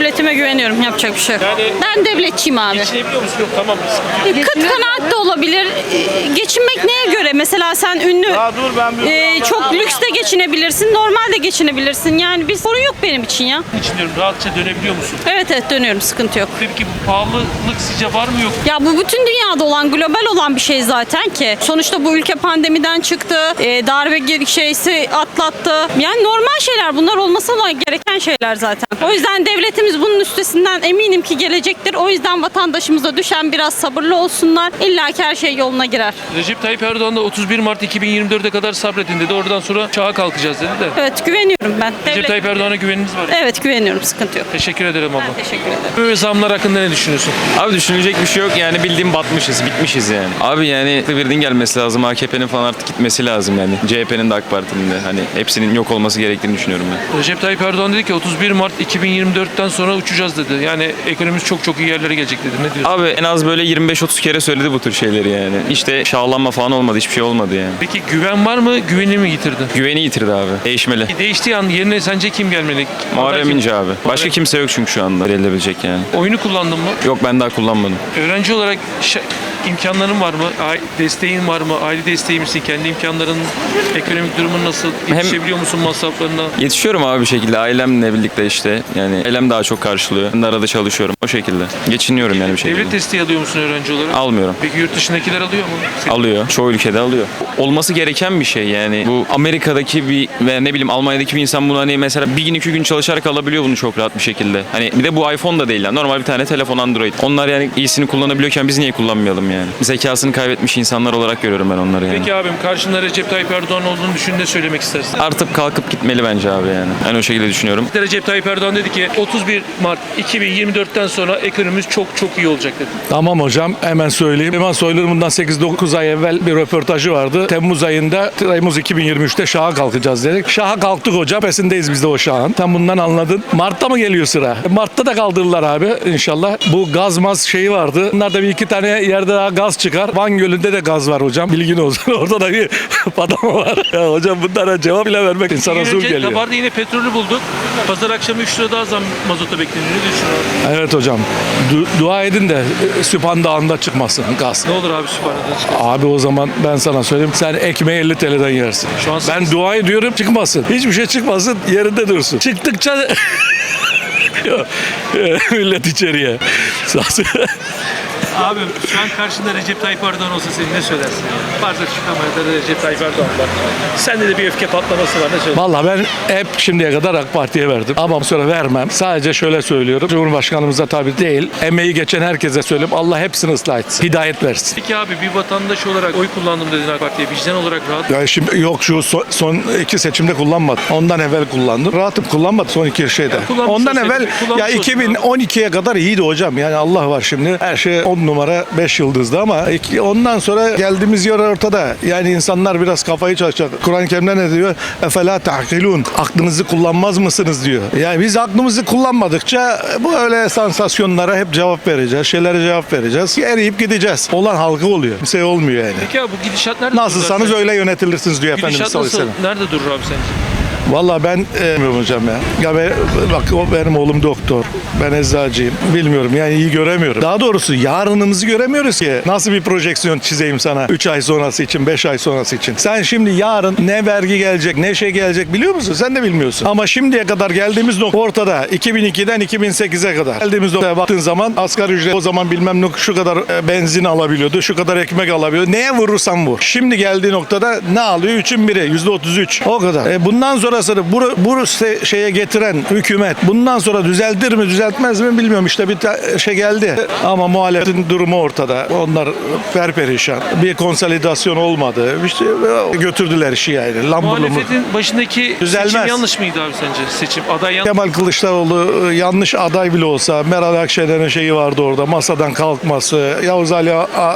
devletime güveniyorum. Yapacak bir şey yok. Yani- Ben devletçiyim abi. Geçinebiliyor musun? Yok tamam. Kıt kanaat da olabilir. Geçinmek neye göre? Mesela sen ünlü, Dur ben çok lüks de geçinebilirsin, normal de geçinebilirsin. Yani bir sorun yok benim için ya. geçiniyorum. Rahatça dönebiliyor musun? Evet dönüyorum, sıkıntı yok. Peki bu pahalılık sizce var mı yok? Ya bu bütün dünyada olan, global olan bir şey zaten ki. Sonuçta bu ülke pandemiden çıktı, darbe şeysi atlattı. Yani normal şeyler, bunlar olması gereken şeyler zaten. O yüzden devletimiz bunun üstesinden eminim ki gelecektir. O yüzden vatandaşımıza düşen biraz sabırlı olsunlar. İlla ki her şey yoluna girer. Recep Tayyip Erdoğan da 31 Mart 2024'e kadar sabredin dedi. Oradan sonra çağa kalkacağız dedi de. Evet, güveniyorum ben. Recep Tayyip Erdoğan'a güveniniz var. Evet, güveniyorum, sıkıntı yok. Teşekkür ederim abla. Ben teşekkür ederim. Böyle zamlar hakkında ne düşünüyorsun? Abi düşünecek bir şey yok yani bildiğim batmışız, bitmişiz yani. Abi yani birinin gelmesi lazım, AKP'nin falan artık gitmesi lazım yani. CHP'nin de AK Parti'nin de hani hepsinin yok olması gerektiğini düşünüyorum ben. Recep Tayyip Erdoğan dedi ki 31 Mart 2024'ten sonra uçacağız dedi. Yani ekonomimiz çok iyi yerlere gelecek dedi. Ne diyorsun? Abi en az böyle 25-30 kere söyledi bu tür şeyleri yani. İşte şahlanma falan olmadı, hiçbir şey olmadı yani. Peki güven var mı? Güveni mi yitirdi? Güveni yitirdi abi, değişmeli. Değiştiği an yerine sence kim gelmeli? Muharrem Kim? İnce abi. Başka kimse yok çünkü şu anda verilebilecek yani. Oyunu kullandın mı? Yok ben daha kullanmadım. Öğrenci olarak imkanların var mı? Desteğin var mı? Aile desteği misin? Kendi imkanların, ekonomik durumun nasıl? Yetişebiliyor musun masraflarına? Yetişiyorum abi bir şekilde ailemle birlikte işte. Yani ailem daha çok karşılıyor. Ben de arada çalışıyorum o şekilde. Geçiniyorum yani bir şekilde. Devlet desteği alıyor musun öğrenci olarak? Almıyorum. Peki yurt dışındakiler alıyor mu? Alıyor. Çoğu ülkede alıyor. Olması gereken bir şey yani. Bu Amerika'daki bir ve ne bileyim Almanya'daki bir insan bunu hani mesela bir gün 2 gün çalışarak alabiliyor bunu çok rahat bir şekilde. Hani bir de bu iPhone da değil yani. Normal bir tane telefon Android. Onlar yani iyisini kullanabiliyorken biz niye kullanmayalım yani? Zekasını kaybetmiş insanlar olarak görüyorum ben onları yani. Peki abim karşında Recep Tayyip Erdoğan olduğunu düşün, ne söylemek istersin? Artık kalkıp gitmeli bence abi yani. Ben o şekilde düşünüyorum. Recep Tayyip Erdoğan dedi ki 31 Mart 2024'ten sonra ekonomimiz çok iyi olacak dedi. Tamam hocam, hemen söyleyeyim. Süleyman Soylu'nun bundan 8-9 ay evvel bir röportajı vardı. Temmuz 2023'te şaha kalkacağız dedik. Şaha kalktık hocam. Pesindeyiz biz de o şahın. Tam bundan anladın. Mart'ta mı geliyor sıra? Mart'ta da kaldırırlar abi inşallah. Bu gaz şeyi vardı. Bunlarda bir iki tane yerde daha gaz çıkar. Van Gölü'nde de gaz var hocam. Bilgin olsun. Orada da bir patlama var. Ya hocam bunlara cevap bile vermek insana zor geliyor. Kabarda yine petrolü bulduk. Pazar akşamı 3 lira daha zam mazota bekleniyor. Ne düşünüyorsun? Evet hocam. Dua edin de Süphan Dağı'nda çıkmasın gaz. Ne olur abi Sübhane'den çıkar. Abi o zaman ben sana söyleyeyim. Sen ekmeği 50 TL'den yersin. Şu an Ben dua ediyorum çıkmasın. Hiçbir şey çıkmasın, yerinde dursun. Çıktıkça millet içeriye. Abim şu an karşında Recep Tayyip Erdoğan olsa sen ne söylersin? Varsa şu kamerada Recep Tayyip Erdoğan var. Sende de bir öfke patlaması var, ne söylersin? Vallahi ben hep şimdiye kadar AK Parti'ye verdim. Ama sonra vermem. Sadece şöyle söylüyorum. Cumhurbaşkanımıza tabii değil. Emeği geçen herkese söyleyeyim. Allah hepsini ıslah etsin. Hidayet versin. Peki abi bir vatandaş olarak oy kullandım dedin AK Parti'ye. Vicdan olarak rahat. Ya şimdi yok şu son iki seçimde kullanmadım. Ondan evvel kullandım. Rahatım kullanmadım son iki şeyde. kullanmış Ondan olsaydın, evvel kullanmış ya olsaydın. 2012'ye kadar iyiydi hocam. Yani Allah var şimdi. Her şey 10 numara 5 yıldızdı ama ondan sonra geldiğimiz yer ortada. Yani insanlar biraz kafayı çalışacak. Kur'an-ı Kerim'de ne diyor? Efela ta'kilun. Aklınızı kullanmaz mısınız diyor. Yani biz aklımızı kullanmadıkça bu öyle sansasyonlara hep cevap vereceğiz. Şeylere cevap vereceğiz. Eriyip gideceğiz. Olan halkı oluyor. Bir şey olmuyor yani. Peki abi bu gidişat nerede Nasılsanız durur? öyle yönetilirsiniz diyor Efendimiz Gidişat sallallahu nasıl? aleyhi ve sellem. Nerede durur abi sence? Vallahi ben bilmiyorum hocam ya. Bak benim oğlum doktor. Ben eczacıyım. Bilmiyorum yani iyi göremiyorum. Daha doğrusu yarınımızı göremiyoruz ki. Nasıl bir projeksiyon çizeyim sana 3 ay sonrası için, 5 ay sonrası için. Sen şimdi yarın ne vergi gelecek, ne şey gelecek biliyor musun? Sen de bilmiyorsun. Ama şimdiye kadar geldiğimiz nokta ortada. 2002'den 2008'e kadar. Geldiğimiz noktaya baktığın zaman asgari ücret o zaman bilmem ne şu kadar benzin alabiliyordu, şu kadar ekmek alabiliyordu. Neye vurursan vur. Şimdi geldiği noktada ne alıyor? 3'ün biri, %33. O kadar. Bundan sonrasını bu şeye getiren hükümet bundan sonra düzeltir mi düzeltmez mi bilmiyorum. İşte bir şey geldi ama muhalefetin durumu ortada. Onlar perperişan. Bir konsolidasyon olmadı. İşte götürdüler işi yani. Muhalefetin başındaki Düzelmez. seçim yanlış mıydı abi sence? Seçim aday yanlış. Kemal Kılıçdaroğlu yanlış aday bile olsa Meral Akşener'in şeyi vardı orada masadan kalkması, Yavuz Ali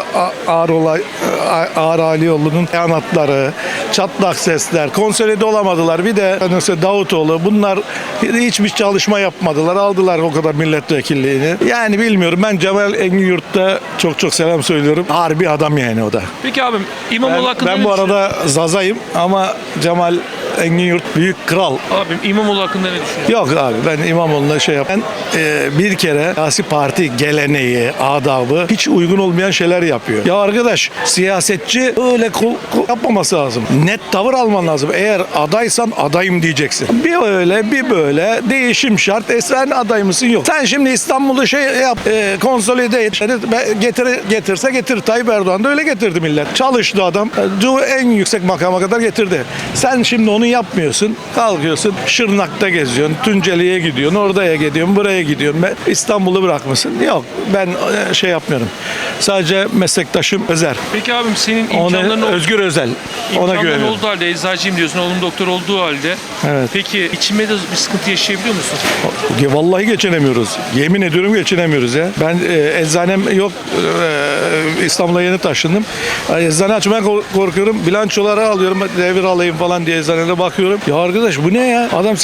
Ağar Alioğlu'nun beyanatları, çatlak sesler, konsolide olamadılar. Bir de Davutoğlu bunlar hiçbir çalışma yapmadılar. Aldılar o kadar milletvekilliğini. Yani bilmiyorum ben Cemal Engin-Yurt'ta çok selam söylüyorum. Harbi adam yani o da. Peki abim İmamoğlu hakkında Ben ne bu düşünüyorsun? arada Zaza'yım ama Cemal Engin Yurt büyük kral. Abim İmamoğlu hakkında ne düşünüyorsun? Yok abi ben İmamoğlu'na şey yap. Ben bir kere siyasi parti geleneği, adabı hiç uygun olmayan şeyler yapıyor. Ya arkadaş siyasetçi öyle yapmaması lazım. Net tavır alman lazım. Eğer adaysan adayım diyeceksin. Bir öyle bir böyle değişim şart. Sen aday mısın? Yok. Sen şimdi İstanbul'u şey yap, konsolide et. Getirse getir. Tayyip Erdoğan da öyle getirdi millet. Çalıştı adam. En yüksek makama kadar getirdi. Sen şimdi onu yapmıyorsun. Kalkıyorsun Şırnak'ta geziyorsun. Tunceli'ye gidiyorsun. Oraya gidiyorsun. Buraya gidiyorsun. İstanbul'u bırakmışsın. Yok. Ben şey yapmıyorum. Sadece meslektaşım Özer. Peki abim senin imkanların Özgür Özel. Ona İmkanların güveniyorum. olduğu halde eczacıyım diyorsun, oğlum doktor olduğu halde. Evet. Peki içime de bir sıkıntı yaşayabiliyor musun? Vallahi geçinemiyoruz. Yemin ediyorum geçinemiyoruz ya. Ben eczanem yok. İstanbul'a yeni taşındım. Eczane açmaya korkuyorum. Bilançoları alıyorum. Devir alayım falan diye eczanede bakıyorum. Ya arkadaş bu ne ya? Adam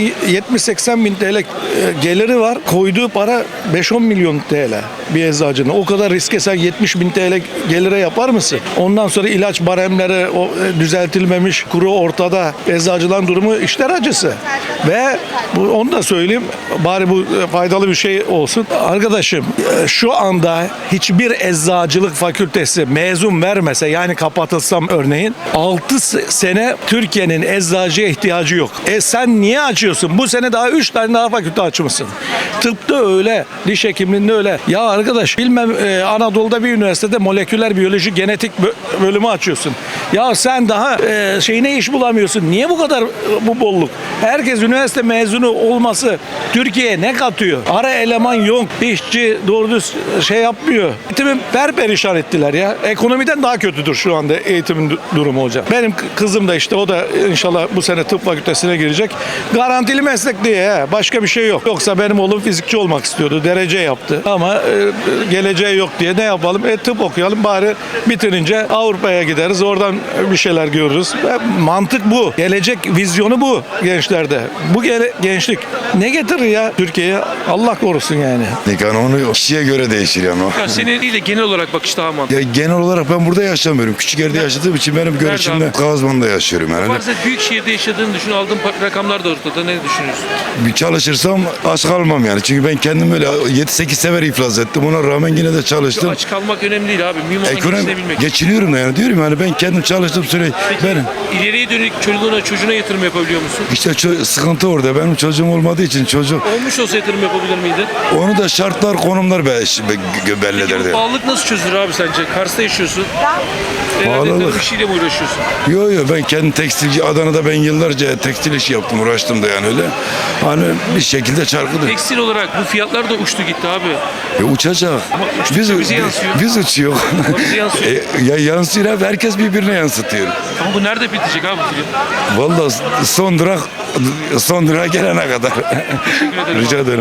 70-80 bin TL geliri var. Koyduğu para 5-10 milyon TL bir eczacının. O kadar riske sen 70 bin TL gelire yapar mısın? Ondan sonra ilaç baremleri düzeltilmemiş, kuru ortada. Eczacıların durumu işler acısı. Ve onu da söyleyeyim. Bari bu faydalı bir şey olsun. Arkadaşım şu anda hiçbir eczacılık fakültesi mezun vermese yani kapatılsam örneğin 6 sene Türkiye'nin eczacıya ihtiyacı yok. Sen niye açıyorsun? Bu sene daha 3 tane daha fakülte açmışsın. Tıpta öyle, diş hekimliğinde öyle. Ya arkadaş bilmem Anadolu'da bir üniversitede moleküler biyoloji genetik bölümü açıyorsun. Ya sen daha şeyine iş bulamıyorsun. Niye bu kadar bu bolluk? Herkes üniversite mezunu olması Türkiye'ye ne katıyor? Ara eleman yok. İşçi doğru düz şey yapmıyor. Eğitimi perperişan ettiler ya. Ekonomiden daha kötüdür şu anda eğitimin durumu hocam. Benim kızım da işte o da inşallah bu sene tıp fakültesine girecek. Garantili meslek diye başka bir şey yok. Yoksa benim oğlum fizikçi olmak istiyordu. Derece yaptı. Ama geleceği yok diye ne yapalım? Tıp okuyalım bari bitirince Avrupa'ya gideriz. Oradan bir şeyler görürüz. Mantık bu. Gelecek vizyonu bu gençlerde. Bu gençlik ne getirir ya Türkiye'ye? Allah korusun yani. Yani onu kişiye göre değişir yani o. Ya senin değil de genel olarak bakış daha mantıklı. Ya genel olarak ben burada yaşamıyorum. Küçük yerde yaşadığım için benim görüşümde abi? Kazman'da yaşıyorum yani. Varsa büyük şehirde yaşadığını düşün, aldığın rakamlar da ortada. Ne düşünüyorsun? Bir çalışırsam aç kalmam yani. Çünkü ben kendim öyle 7-8 sefer iflas ettim. Ona rağmen yine de çalıştım. Aç kalmak önemli değil abi. Mühim olan geçinebilmek. Geçiniyorum da yani diyorum yani ben kendim çalıştım sürekli. Peki ileriye dönük çocuğuna yatırım yapabiliyor musun? İşte sıkıntı orada. Benim çocuğum olmadığı için Olmuş olsa yatırım yapabilir miydin? onu da şartlar konumlar Peki belirlerdi. bu pahalılık nasıl çözülür abi sence? Kars'ta yaşıyorsun. Herhalde Pahalılık. tarım işiyle mi uğraşıyorsun? Yo ben kendim tekstilci Adana'da ben yıllarca tekstil işi yaptım uğraştım da yani öyle. Hani bir şekilde çarkıdır. Tekstil olarak bu fiyatlar da uçtu gitti abi. Uçacak. uçtukça bize yansıyor. Biz uçuyor. Bize yansıyor. Ya yansıyor abi herkes birbirine yansıtıyor. Ama bu nerede bitecek abi film? Vallahi son durak gelene kadar. Teşekkür ederim. Rica ederim.